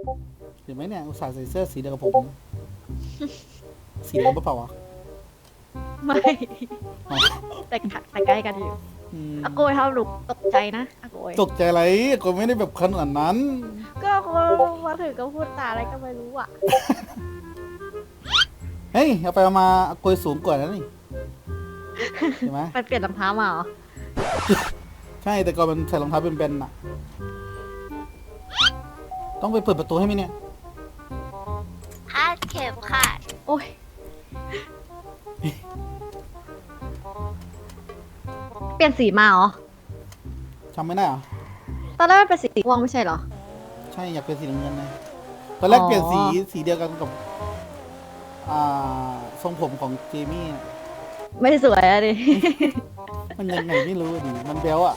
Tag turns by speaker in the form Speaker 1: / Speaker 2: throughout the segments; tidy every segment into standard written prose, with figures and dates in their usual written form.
Speaker 1: เห็นไหมเนี่ยอุตส่าห์ใส่เสื้อสีเดียวกับผมสีเหลืองเปล่าวะ
Speaker 2: ไม่
Speaker 1: อ๋อ
Speaker 2: แต่ใกล้กันอยู่
Speaker 1: อืม
Speaker 2: อาโกยทำหลุกตกใจนะอาโกย
Speaker 1: ตกใจอะไรก็ไม่ได้แบบขนาดนั้น
Speaker 2: ก็อาโกยมาถึงก็พูดตาอะไรก็ไม่รู้อ่ะ
Speaker 1: เฮ้ยเอาไปเอามาโกยสูงกว่านั้นนี่เห็นไหม
Speaker 2: ไปเปลี่ยนรองเท้ามาเหรอ
Speaker 1: ใช่แต่ก่อนมันใส่รองเท้าเป็นแบนๆน่ะ ต้องไปเปิดประตูให้ไหมเนี่ย
Speaker 3: คาดเข็มขัด
Speaker 2: โอ้ยเปลี่ยนสีมาเหรอ
Speaker 1: จำไม่ได้เหรอ
Speaker 2: ตอนแรกมันเป็นสีม่วงไม่ใช่เหรอ
Speaker 1: ใช่อยากเป็นสีน้ำเงินนะตอนแรก
Speaker 2: อ๋อ
Speaker 1: เปลี่ยนสีเดียวกันกับทรงผมของเจมี่น่ะ
Speaker 2: ไม่สวยอะดิ
Speaker 1: มันยังไงไม่รู้ดิมันเบลอะ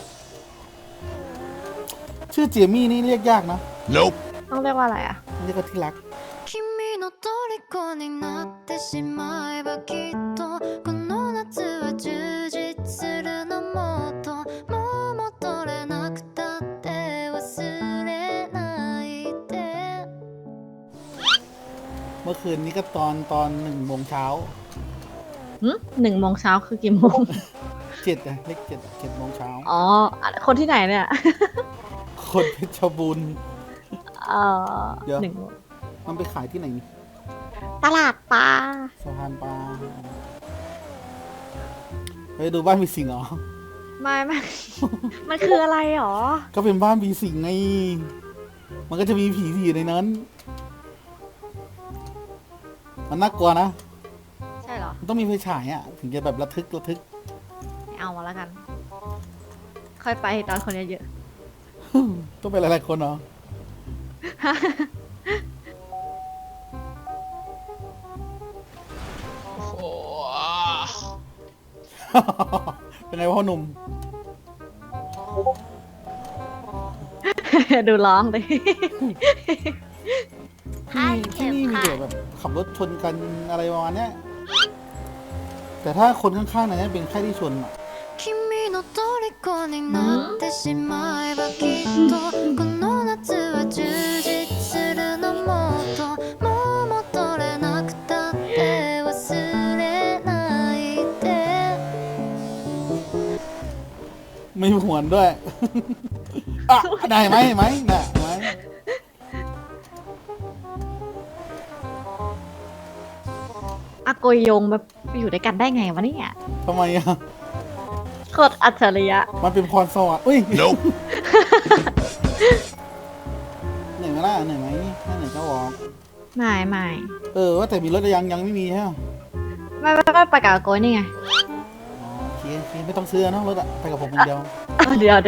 Speaker 1: ชื่อเจมี่นี่เรียกยากนะ
Speaker 4: Nope.
Speaker 2: ต้องเรียกว่าอะไรอ่ะ
Speaker 1: เรียกว่าที่รัก
Speaker 3: 君の虜になってしまえばきっとこの夏は充実するのもっともう戻れなくたって忘れないで
Speaker 1: เมื่อคืนนี้ก็ตอน1 โมงเช้า
Speaker 2: 1 โมงเช้าคือกี่โมง
Speaker 1: 7อะเลข7 7 โมงเช้า
Speaker 2: อ๋อ คนที่ไหนเนี่ย
Speaker 1: คนเพชรบูรณ์
Speaker 2: เอ่อ
Speaker 1: เดี๋ยว
Speaker 2: หนึ่งโมง
Speaker 1: มันไปขายที่ไหนนี่
Speaker 2: ตลาดปลา
Speaker 1: สะพานปลาไปดูบ้านผีสิงเหรอ
Speaker 2: ไม่ มันคืออะไรหรอ
Speaker 1: ก็เป็นบ้านผีสิงไง มันก็จะมีผีที่อยู่ในนั้น มันน่ากลัวนะ
Speaker 2: ใช่เหรอ
Speaker 1: มันต้องมีไฟฉายอ่ะ ถึงจะแบบระทึก
Speaker 2: ไม่เอามาแล้วกัน ค่อยไปตอนคนเยอะ
Speaker 1: ต้องไปหลายๆคนเหรอ เป็นไงพ่อหนุ่ม
Speaker 2: ๆ ดูร้องดิ
Speaker 3: คาด
Speaker 1: ที่
Speaker 3: เข็ม
Speaker 1: นี่มี
Speaker 3: ขั
Speaker 1: แต่
Speaker 3: ด
Speaker 1: แบบขับรถชนกันอะไรประมาณเนี้ยแต่ถ้าคนข้างๆเนี่ยเป็นแค่ที่ชนอ่ะ
Speaker 3: 君の虜になってしまえばきっとこの夏は充実するのもっともう戻れなくたって忘れないで
Speaker 1: ไม่หวนด้วย อ่ะได้ไหมไหมน่ะไหม
Speaker 2: อาโกยโยงแบบอยู่ด้วยกันได้ไงวะเนี่ย
Speaker 1: ทำไมอ่ะ
Speaker 2: โคตรอัจฉริยะ
Speaker 1: มันเป็นพรสวรรค์อุ้ย
Speaker 4: Nope.
Speaker 1: เหนื่อยไหมล่ะเหนื่อยไหมถ้าเหนื่อยก็วอล์ก
Speaker 2: ไม่
Speaker 1: ว่าแต่มีรถยังไม่มีใช่ไหม
Speaker 2: ไม่ก็ไปกับอาโกยนี่ไง
Speaker 1: อ๋อโอเคไม่ต้องซื้อเนอะรถอะไปกับผมคนเดียว
Speaker 2: เดี๋ยว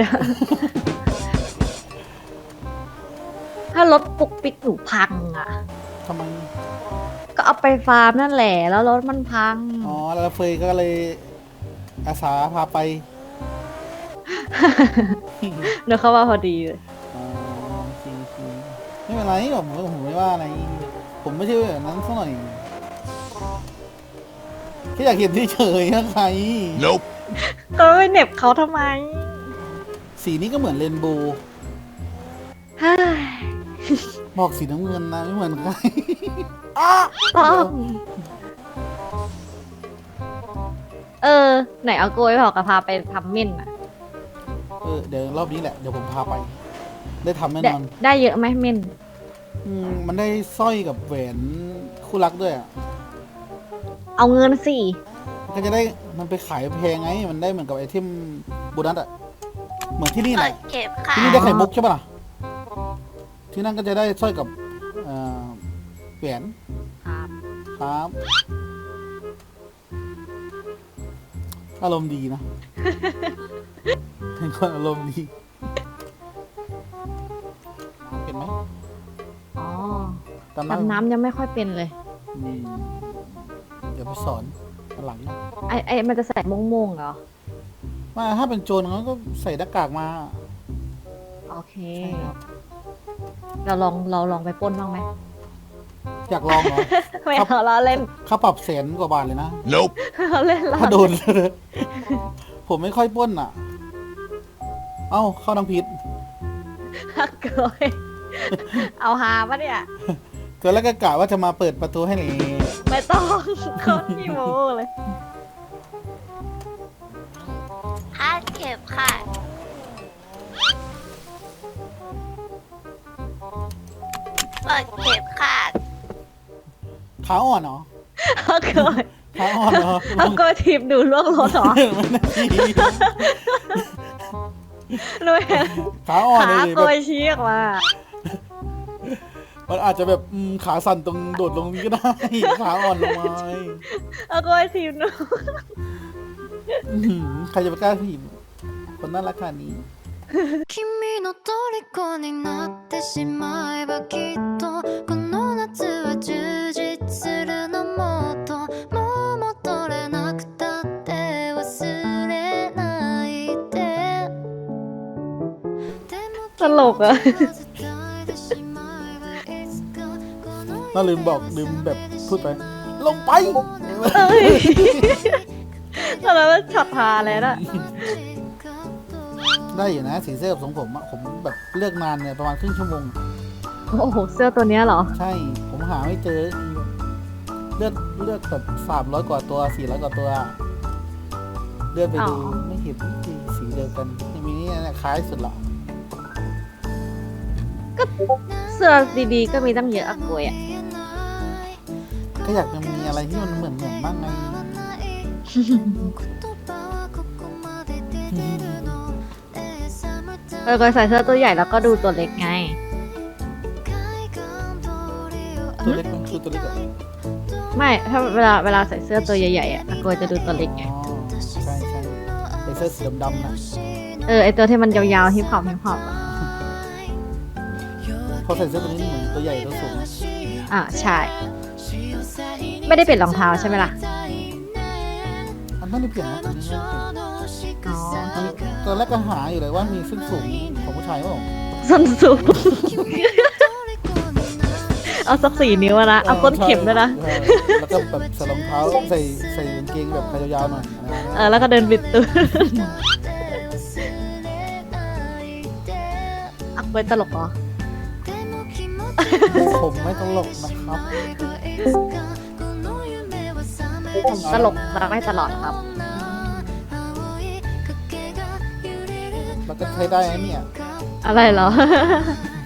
Speaker 2: ถ้ารถปุกปิกหนูพังอ่ะ
Speaker 1: ทำไม
Speaker 2: ก็เอาไปฟาร์มนั่นแหละ แล้วรถมันพัง
Speaker 1: อ๋อแล้วเฟยก็เลยอาสาพาไป
Speaker 2: เดี๋ยวเข้ามาพอดีเลย
Speaker 1: อ๋อโอเคไม่เป็นไรผมไม่ว่าอะไร ผมไม่ใช่แบบนั้นสักหน่อยแค่อยากเห็นเฉยๆนะใคร
Speaker 4: Nope.
Speaker 2: ก็ไปเหน็บเขาทำไม
Speaker 1: สีนี้ก็เหมือนเรนโบว์
Speaker 2: เฮ้ย
Speaker 1: บอกสีน้ำเงินนะไม่เหมือนใคร
Speaker 2: ต้องไหนเอาโกยบอกกับพาไปทำเม่นอ่ะ
Speaker 1: เดี๋ยวรอบนี้แหละเดี๋ยวผมพาไป ได้ทำแน่
Speaker 2: ได้
Speaker 1: นอน
Speaker 2: ได้เยอะไหมเม่น
Speaker 1: มันได้สร้อยกับแหวนคู่รักด้วยอ่ะ
Speaker 2: เอาเงินสิ
Speaker 1: มันก็จะได้มันไปขายแพงไง มันได้เหมือนกับไอเทมโบนัสอ่ะ เหมือนที่นี่
Speaker 3: เปิ
Speaker 1: แหละ
Speaker 3: ดเข็มขั
Speaker 1: ที่
Speaker 3: ด
Speaker 1: นี่ได้ไข่มุกใช่ปะล่ะ ที่นั่นก็จะได้สร้อยกับแหวน
Speaker 2: ครับ
Speaker 1: ครับ อารมณ์ดีนะ เป็นคนอารมณ์ดีเป็นไหม
Speaker 2: อ๋อ
Speaker 1: ตาม
Speaker 2: ดำน้ำยังไม่ค่อยเป็นเลย
Speaker 1: อืมเดี๋ยวไปสอนวันหลังนะ
Speaker 2: ไอมันจะใส่โม่งๆเหรอ
Speaker 1: ว่าถ้าเป็นโจรเขาก็ใส่หน้ากากมา
Speaker 2: โอเค
Speaker 1: ใช่ครับ
Speaker 2: เราลองไปปล้นบ้างไหม
Speaker 1: อยากลองเหรอ
Speaker 2: ไม่เอาเราเล่น
Speaker 1: ค่าปรับ100,000 กว่าบาทเลยนะ
Speaker 4: Nope.
Speaker 2: เราเล่นเรา
Speaker 1: ถ้าโดน ผมไม่ค่อยปล้นอ่ะ เอ้า เข้าทางผิด
Speaker 2: ฮักเกยเอาฮาปะเนี่ย
Speaker 1: ตอนแรกก็กะว่าจะมาเปิดประตูให้เลย
Speaker 2: ไม่ต้องโคตรขี้โม้เลย
Speaker 3: คาดเข็มค่ะเปิดเข็มค่ะ
Speaker 1: ขาอ่อนเหรอ
Speaker 2: เอาโกย
Speaker 1: ขาอ่อนเหรอ
Speaker 2: เอาโกยทีมดูล่วงรถเหรอ
Speaker 1: มันนาที
Speaker 2: หนูเห็น
Speaker 1: ขาอ่อนเล
Speaker 2: ขาย โก
Speaker 1: แบบ
Speaker 2: ยชี้ออกมา
Speaker 1: มันอาจจะแบบขาสั่นตรงโดดลงนี้ก็ได้ ขาอ่อนลงมา
Speaker 2: เอาโกยทีมหนู
Speaker 1: ใครจะไปกล้าถีบคนน่ารักขนาดนี้
Speaker 3: 君の虜になってしまえばきっとこの夏は充実するのもっともう戻れなくたって忘れないででも
Speaker 2: ตลกอะ
Speaker 1: น่าลืมบอกลืมแบบพูดไป ลงไป
Speaker 2: เอ้ยตอนนั้นมันช็อตฮาเลยนะ
Speaker 1: ได้อยู่นะสีเสื้อกับทรงผมอะผมแบบเลือกนานเนี่ยประมาณครึ่งชั่วโมง
Speaker 2: โอ้โห เสื้อตัวเนี้ยเหรอ
Speaker 1: ใช่ ผมหาไม่เจอเลือกแบบ300 กว่าตัว400 กว่าตัว เลือกไปดู
Speaker 2: อ๋อ
Speaker 1: ไม่เห็นสีเดียวกันมีนี่นะคล้ายสุดละ
Speaker 2: เสื้อดีๆก็มีตั้งเยอะอะโกยอะ
Speaker 1: ก็อยากจะมีอะไรที่มันเหมือนบ้างไง
Speaker 2: โกยใส่เสื้อตัวใหญ่แล้วก็ดูตัวเล็กไง
Speaker 1: ตัวเล็กมันคือตัวเล็กอะ
Speaker 2: ไม่ถ้าเวลาใส่เสื้อตัวใหญ่ๆอะโกยจะดูตัวเล็กไง
Speaker 1: อ๋อใช่ใช่ไอเสื้อสีดำๆนะ
Speaker 2: ไอตัวที่มันยาวๆฮิปฮอปอะ
Speaker 1: พอใส่เสื้อตัวนี้เหมือนตัวใหญ่ตัวสูง
Speaker 2: ใช่ ไม่ได้เปลี่ยนรองเท้าใช่ไหมล่ะ
Speaker 1: อันนั้นไม่เปลี่ยนนะตัวนี้ไม่เปลี่ยน
Speaker 2: อ๋อ
Speaker 1: ตอนแรกก็หาอยู่เลยว่ามีส้นสูงของผู้ชายเปล่า
Speaker 2: ส้นสูง เอาสัก4 นิ้วอะนะ เอาก้นเข็มด้วยนะ
Speaker 1: ใช่แล้วก็แบบใส่รองเท้าใส่กางเกงแบบขายาวๆหน่อยอะไรแบบนี้
Speaker 2: แล้วก็เดินบิดตัวอักไว้ตลกเหรอ
Speaker 1: ผมไม่ตลกนะครับ
Speaker 2: ตลกรักได้ตลอดครับ
Speaker 1: แล้วก็ใช้ได้นะเนี่ย
Speaker 2: อะไรเหรอ